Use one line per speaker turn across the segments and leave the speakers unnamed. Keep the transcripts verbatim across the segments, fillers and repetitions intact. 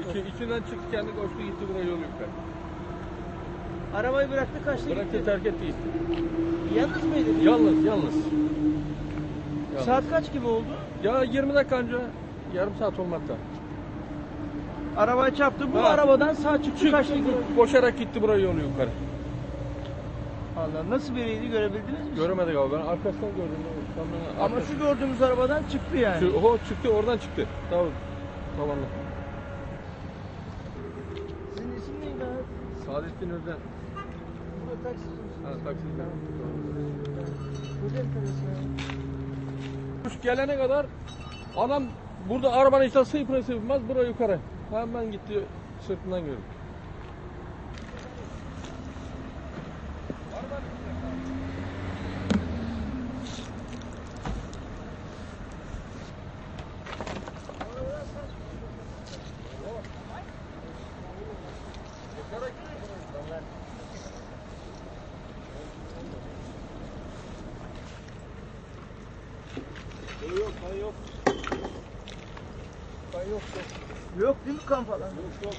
İçi, içinden çıktı, kendi koştu gitti buraya yol yukarı.
Arabayı bıraktı, kaçtı gitti.
Bıraktı, terk etti gitti.
Yalnız mıydı?
Yalnız, yalnız. Yalnız.
Saat kaç gibi oldu?
Ya yirmi dakika önce, yarım saat olmakta.
Arabaya çarptı, bu
Ha.
arabadan sağ çıktı,
Çıktı,
kaçtı gitti.
koşarak gitti buraya yol yukarı.
Allah, nasıl biriydi, görebildiniz mi?
Göremedik abi, ben arkasından gördüm. Kamyonun
Ama
arkası-
şu gördüğümüz arabadan çıktı yani.
Şu, o çıktı, oradan çıktı. Tamam, tavanla.
Sizin isim neydi abi?
Saadettin Özden.
Burada taksici misiniz?
Ha, taksiden.
Burada enteresan ya.
Kuş gelene kadar adam burada arabanın içine sıypına sıypmaz, buraya yukarı. Hemen gitti, sırtından gördüm.
Yok, kan yok. Kan yok, yok. Yok değil mi kan falan? Yok, yok.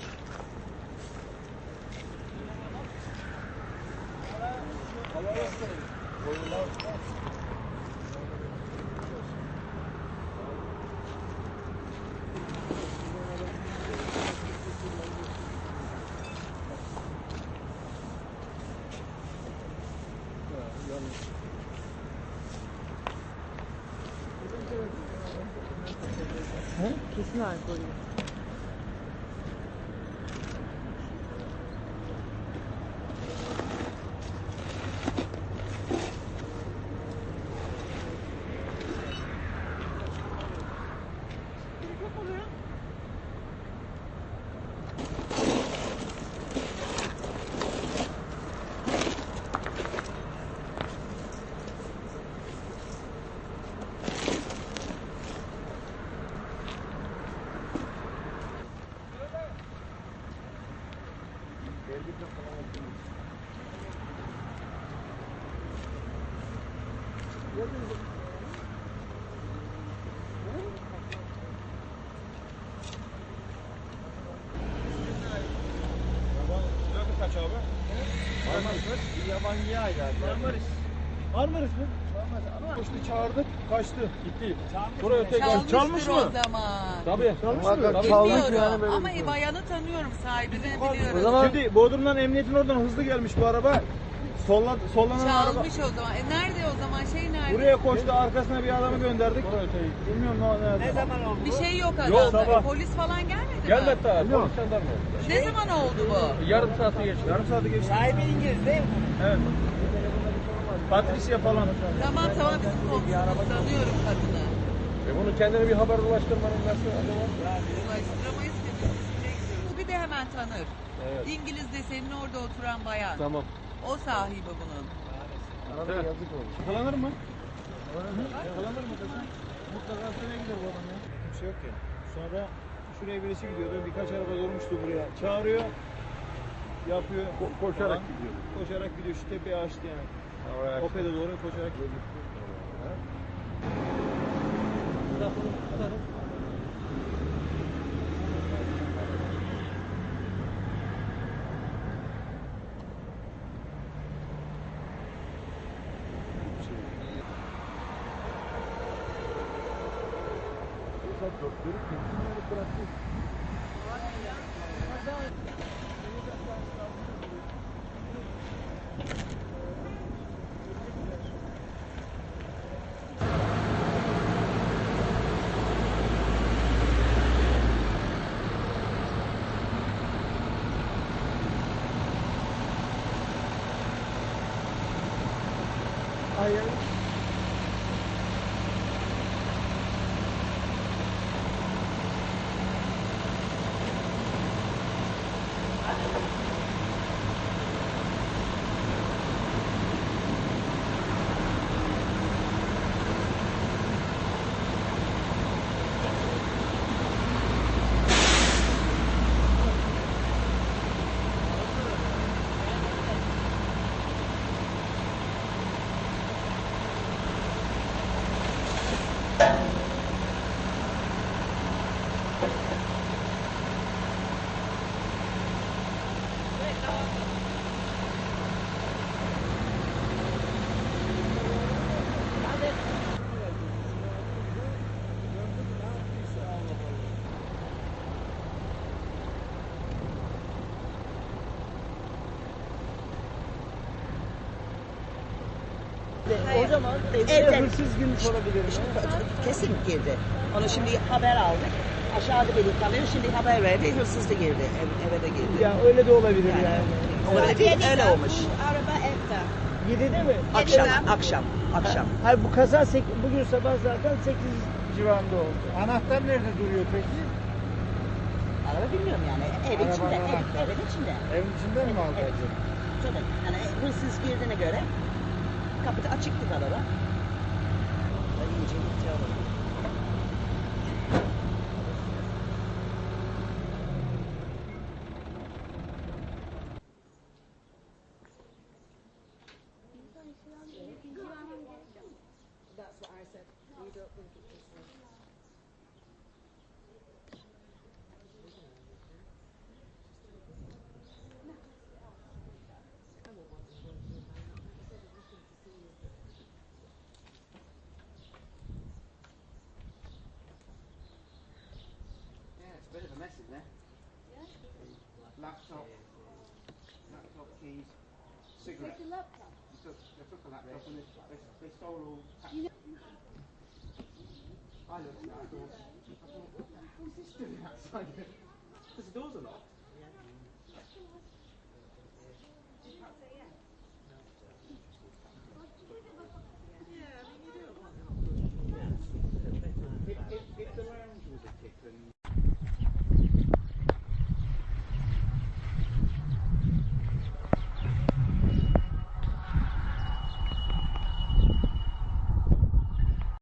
He? Kesin alkol.
Kaç abi?
Marmaris mı? Yabancıya ait abi. Marmaris.
Marmaris mi? Koştu, çağırdık, kaçtı.
Gitti. Buraya tekrar
Çalmıştır
çalmış mı?
o zaman.
Tabii.
Çalmış
Tabii,
mı?
tabii.
Çaldık
Bilmiyorum
yani böyle
ama
bir şey.
bayanı tanıyorum, sahibini
O
biliyorum.
zaman
Şimdi Bodrum'dan emniyetin oradan hızlı gelmiş bu araba. Solla, sollanan araba.
Çalmış o zaman. E nerede o zaman? Şey nerede?
Buraya koştu, arkasına bir adamı gönderdik.
Buraya tekrar.
Bilmiyorum ne nerede.
ne zaman oldu?
Bir şey yok
Yok,
adamda.
sabah.
Polis falan gelmedi mi?
Gelmedi daha.
Yok.
Polis jandarma.
Ne zaman oldu bu?
Yarım saati geçti.
Yarım saati geçti.
Sahibi İngiliz değil mi?
Evet. Patricia falan.
Tamam tamam, bizim komşumuz, tanıyorum kadını.
E bunu kendine bir haber ulaştırmanın nasıl acaba?
Ulaştıramayız ki. biz şeye gidiyoruz. Bu bir de hemen tanır.
Evet.
İngiliz de senin orada oturan bayan.
Tamam.
O sahibi bunun.
Arada
Evet.
yazık oldu.
Yakalanır mı? Yakalanır mı kızım? Mutlaka sene gider bu adam ya. Bir şey yok ya. Sonra şuraya birisi gidiyordu. Birkaç araba durmuştu buraya. Çağırıyor. Yapıyor.
Ko- koşarak
falan.
gidiyor.
Koşarak gidiyor. Şu tepeyi açtı yani.
Oraya.
Opet'e doğru koşarak gidiyor.
Hayır. O zaman evde
Evden-
hırsız girmiş olabilir mi?
Kesin girdi. Onu şimdi haber aldık. Aşağıda bir kalıyor. Şimdi haber verdi. Hırsız da girdi. Ev, eve de girdi.
Ya öyle de olabilir
Yani.
yani.
Öyle değil, öyle olmuş.
Araba evde.
yedide mi?
Akşam, akşam, akşam.
Hayır bu kaza sek- bugün sabah zaten sekiz civarında oldu.
Anahtar nerede duruyor peki?
Araba bilmiyorum yani. Evin
Arabanın
içinde, ev,
anahtarı.
evin içinde.
Evin içinden mi aldı
Evet.
acaba?
Tabii. Yani hırsız girdiğine göre kapıda açıktı araba. Ben iyice gitti araba. That's what I said. We don't think it's just
Yeah, it's a bit of a mess in there. Laptop, laptop keys, cigarettes. They took, they took a laptop and they, they, they stole all. I looked at it, I thought, I thought, what the hell's this doing outside? Because the doors are locked.